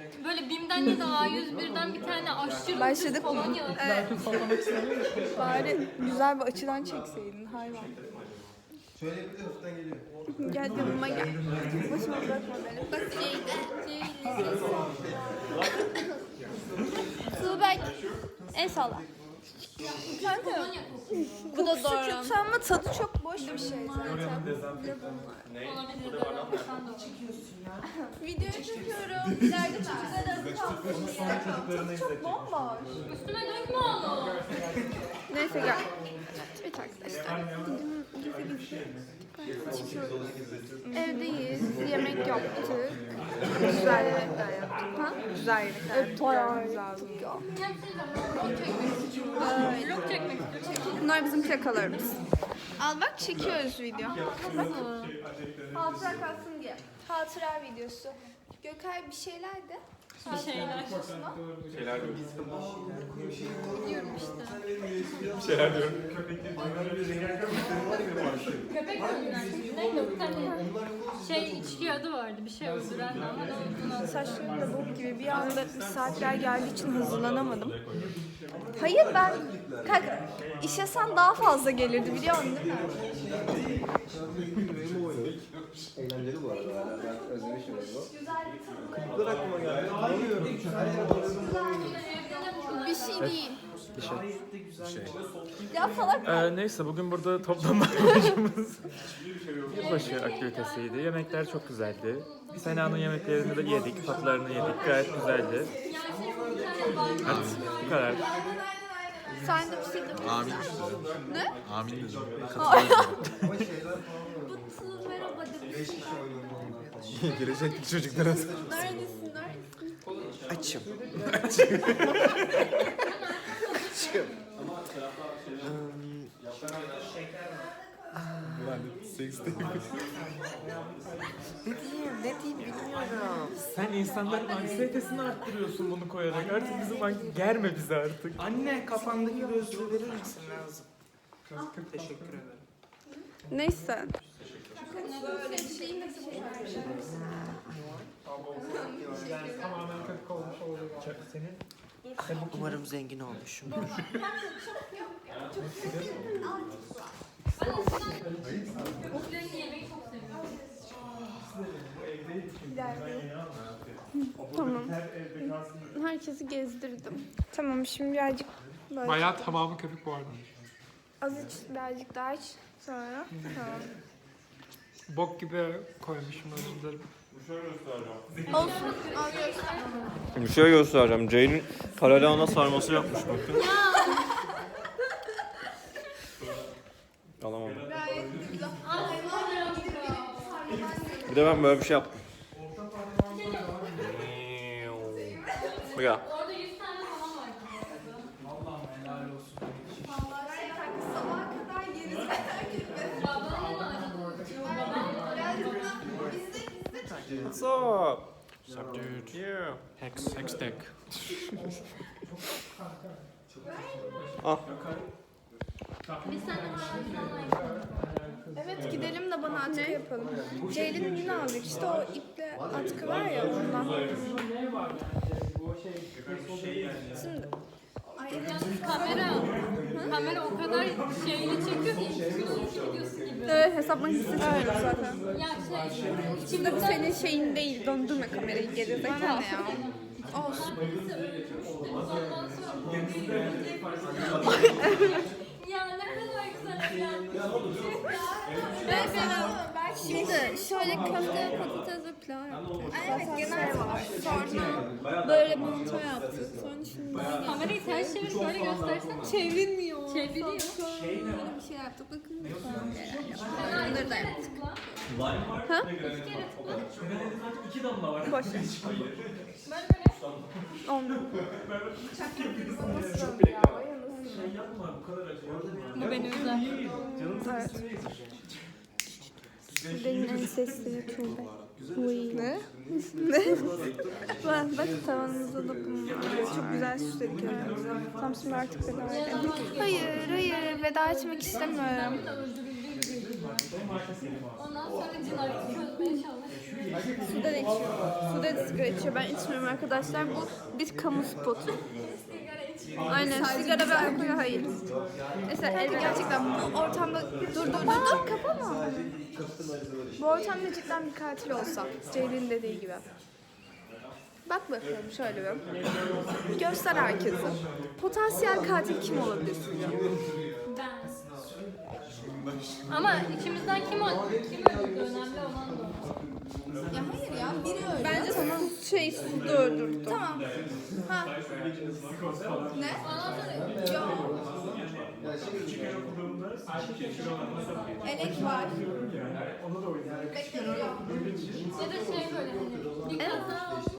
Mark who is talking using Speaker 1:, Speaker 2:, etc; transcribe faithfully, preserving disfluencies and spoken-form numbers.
Speaker 1: Böyle BİM'den ya da A yüz birden bir tane aşırı
Speaker 2: Başladık
Speaker 1: ucuz
Speaker 2: mı?
Speaker 1: kolonya.
Speaker 2: Evet. Bari güzel bir açıdan çekseydin hayvan.
Speaker 3: Şöyle bir de hafiften geliyor.
Speaker 2: Gel yanıma gel. Başıma bırakma beni. Bak Ceyda. Tuğberk. El salla. Kanka. Bu da doğru. Kötü ama tadı çok boş bir şey zaten. Video çekiyorum. İleride çocuklar arası kalmış. Tadı çok bomboş.
Speaker 1: Üstüme dökme onu.
Speaker 2: Neyse gel. Evet arkadaşlar. Evdeyiz. Yemek yaptık. Güzel yemekler yaptık. Ha? Güzel yemekler yaptık. Bayağı güzeldi.
Speaker 1: Vlog çekmek istiyorum.
Speaker 2: Bunlar bizim plakalarımız. Al bak çekiyoruz video. Hatıra kalsın diye. Hatıra videosu. Gökay bir şeyler de.
Speaker 1: Bir şeyler.
Speaker 4: Şeyler diyorum.
Speaker 1: Diyorum işte.
Speaker 4: Şeyler diyorum.
Speaker 1: Köpek öldüren. Neydi bir tane şey içki adı vardı. Bir şey öldüren ama da olduğunu
Speaker 2: Saçlarım da bok gibi bir anda misafirler geldiği için hazırlanamadım. Hayır ben kanka işesem daha fazla gelirdi biliyorsun değil mi?
Speaker 3: Eğlenceli bu arada. Ben özlemişim bunu. Kırıklar aklıma geldi. Tanımıyorum.
Speaker 2: Bir şey değil.
Speaker 4: Bir şey. Bir şey.
Speaker 2: Ya salak.
Speaker 4: Ee, neyse bugün burada toplanma amacımız yılbaşı aktivitesiydi. Yemekler çok güzeldi. Sena'nın yemeklerini de yedik, tatlarını yedik. Gayet güzeldi. Evet, bu kadar.
Speaker 2: Sen de bir şey de
Speaker 5: Amin dedim.
Speaker 2: Ne?
Speaker 5: Amin dedim.
Speaker 3: Ama şeyler
Speaker 2: Bu merhaba demiş.
Speaker 5: Gelecekteki çocuklara.
Speaker 2: Neredesin neredesin?
Speaker 5: Açım. Ben seksteyim.
Speaker 6: Ne diyeyim, ne diyeyim bilmiyorum.
Speaker 4: Sen insanların anksiyetesini arttırıyorsun bunu koyarak. Artık bizim an- germe bizi artık.
Speaker 6: Anne kafandaki gözlüğü verir misin lazım? Teşekkür ederim.
Speaker 2: Neyse.
Speaker 6: Umarım zengin olmuşumdur.
Speaker 1: Oklarını yemeyi çok seviyorum.
Speaker 2: Tamam. Herkesi gezdirdim. Tamam şimdi birazcık böyle
Speaker 7: Bayağı tamamı köpük bu arada.
Speaker 2: az iç birazcık daha iç. Sonra tamam.
Speaker 7: Bok gibi koymuşum özür dilerim.
Speaker 2: Olsun. Al göster.
Speaker 8: Bir şey göstereceğim. Ceylin karalahana sarması yapmış bakın. Alamadım. Bir de ben böyle bir şey yaptım. Bu ya.
Speaker 1: Orada yüz tane falan var.
Speaker 2: Sabaha kadar yeriz merak etme.
Speaker 8: What's up?
Speaker 7: Sup dude.
Speaker 8: Yeah.
Speaker 7: Hex, hex deck.
Speaker 8: Ah.
Speaker 1: Biz seninle var.
Speaker 2: Evet gidelim de bana atkı yapalım. Ceylin yine aldık işte o iple atkı var ya ondan. Şimdi
Speaker 1: Kamera. Kamera o kadar şeyli çekiyor ki. Videosu gibi.
Speaker 2: evet hesap makinesi çekiyoruz zaten.
Speaker 1: Ya şey.
Speaker 2: Şimdi bu senin şeyin değil. Döndürme kamerayı geri zekalı. Bana ne ya? Olsun.
Speaker 1: Ya ne kadar güzel ya.
Speaker 2: Ben şimdi şöyle köfte, patates ve pilav yaptık. Evet genel var. Sonra böyle manto yaptık. Sonra şimdi
Speaker 1: Kamerayı ters çevir şöyle göstersen.
Speaker 2: çevrilmiyor.
Speaker 1: Çeviriyor.
Speaker 2: Şöyle bir şey yaptık. Bakın lütfen. Bunları da yaptık. Ha?
Speaker 4: İki damla var.
Speaker 2: Boş ver. Ondan.
Speaker 1: Bu beni üzer.
Speaker 2: Evet. Benim en sesli Tuğbe. Ne? Ne? bak, bak tavanımıza dokunma. Çok güzel süsledik yani. Tam şimdi artık veda edelim. Hayır, hayır. Veda etmek istemiyorum.
Speaker 1: Ondan sonra cinayeti çözmeye çalışıyor.
Speaker 2: Sude de içiyor. Sude de sigara içiyor. Ben içmiyorum arkadaşlar. Bu bir kamu spotu. Aynen sigara ve alkol hayır. Mesela Elif gerçekten bu ortamda dur dur dur dur kapama. Bu ortamda cidden bir katil olsa Ceylin'in dediği gibi. Bak bakalım şöyle bir. Göster herkese. Potansiyel katil kim olabilir sizce?
Speaker 1: Ben. Ama içimizden kim öldü? Kim öldü? Önemli olan da o.
Speaker 2: Ya hayır ya biri öldü. Bence tamam. Şey Sude öldürdü. Tamam. Ha. Ne?
Speaker 1: Ondan sonra
Speaker 2: Yok. Elek var. Bekle yok.
Speaker 1: ya da şey böyle hani bir kaza oldu.